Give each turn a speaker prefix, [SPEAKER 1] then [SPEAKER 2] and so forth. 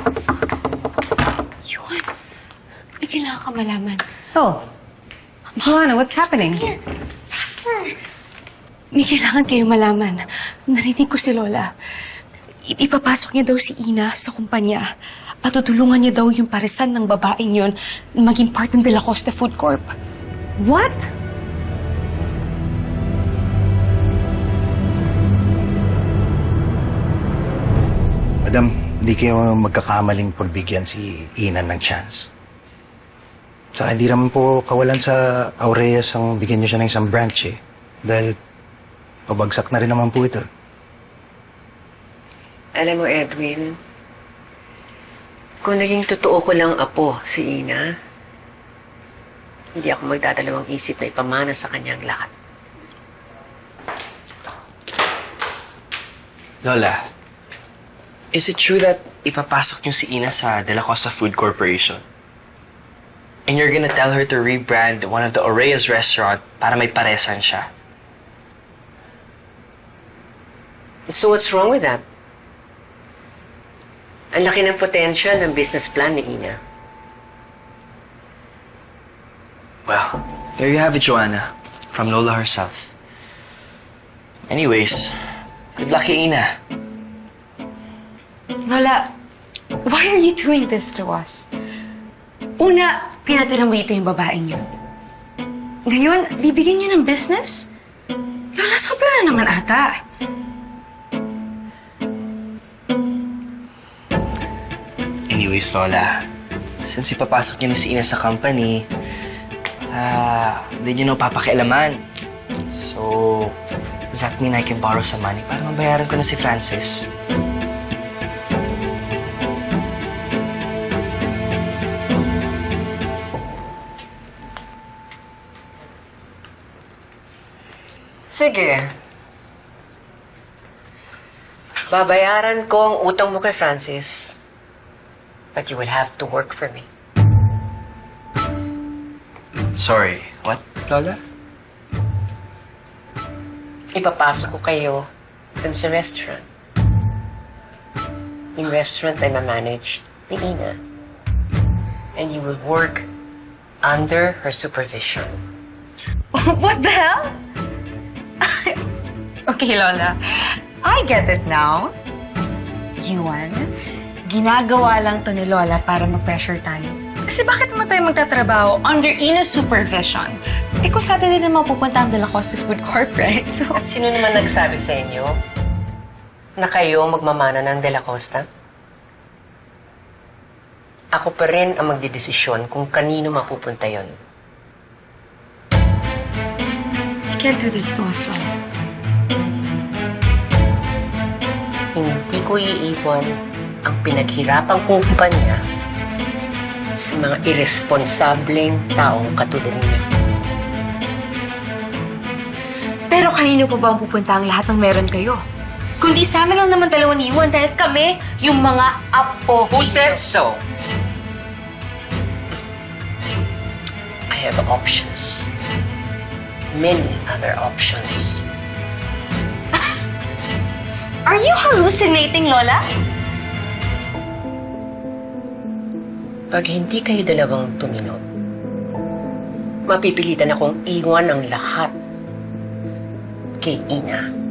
[SPEAKER 1] Yun. May kailangan ka malaman.
[SPEAKER 2] Oh, Joanna, what's happening?
[SPEAKER 1] Here, faster! May kailangan kayo malaman. Narinig ko si Lola. Ipapasok niya daw si Ina sa kumpanya at tutulungan niya daw yung paresan ng babaeng yun na maging part ng De La Costa Food Corp.
[SPEAKER 2] What?
[SPEAKER 3] Madam, hindi kayo magkakamaling pagbigyan si Ina ng chance. Saka hindi naman po kawalan sa Aureas ang bigyan niyo siya ng isang branch eh. Dahil pabagsak na rin naman po ito.
[SPEAKER 4] Alam mo, Edwin, kung naging totoo ko lang apo si Ina, hindi ako magdadalawang isip na ipamana sa kanyang lahat.
[SPEAKER 5] Lola, is it true that ipapasok niyo si Ina sa De La Costa Food Corporation? And you're gonna tell her to rebrand one of the Orea's restaurant para may paresan siya?
[SPEAKER 4] So what's wrong with that? Ang laki ng potential ng business plan ni Ina.
[SPEAKER 5] Well, there you have it, Joanna. From Lola herself. Anyways, good luck kay Ina.
[SPEAKER 1] Lola, why are you doing this to us? Una, pinatira mo dito yung babaeng yun. Ngayon, bibigyan niyo ng business? Lola, sobra na naman ata.
[SPEAKER 5] Anyways, Lola, since ipapasok niyo na si Ina sa company, hindi niyo na papakialaman. So, does that mean I can borrow some money para mabayaran ko na si Francis?
[SPEAKER 4] Sige. Babayaran ko ang utang mo kay Francis. But you will have to work for me.
[SPEAKER 5] Sorry, what, Lola?
[SPEAKER 4] Ipapasok ko kayo dun sa restaurant. Yung restaurant ay ma-manage ni Ina. And you will work under her supervision.
[SPEAKER 2] What the hell? Okay, Lola. I get it now. Yuan, ginagawa lang to ni Lola para mag-pressure tayo. Kasi bakit mo tayo magtatrabaho under Ina's supervision? Eh kung sa atin din naman pupunta ang De La Costa Food Corp, right? So,
[SPEAKER 4] At sino naman nagsabi sa inyo na kayo magmamana ng De La Costa? Ako pa rin ang magdidesisyon kung kanino mapupunta yon.
[SPEAKER 1] You can't do this to us, Lola.
[SPEAKER 4] Hindi ko iiwan ang pinaghirapang kumpanya sa mga irresponsableng taong katulad niyo.
[SPEAKER 1] Pero kanino pa ba ang pupunta ang lahat ng meron kayo? Kundi sa amin lang naman dalawa ni Iwan dahil kami yung mga apo.
[SPEAKER 4] Who said so? I have options. Many other options.
[SPEAKER 1] Are you hallucinating, Lola?
[SPEAKER 4] Pag hindi kayo dalawang tuminod, mapipilitan akong iwan ang lahat kay Ina.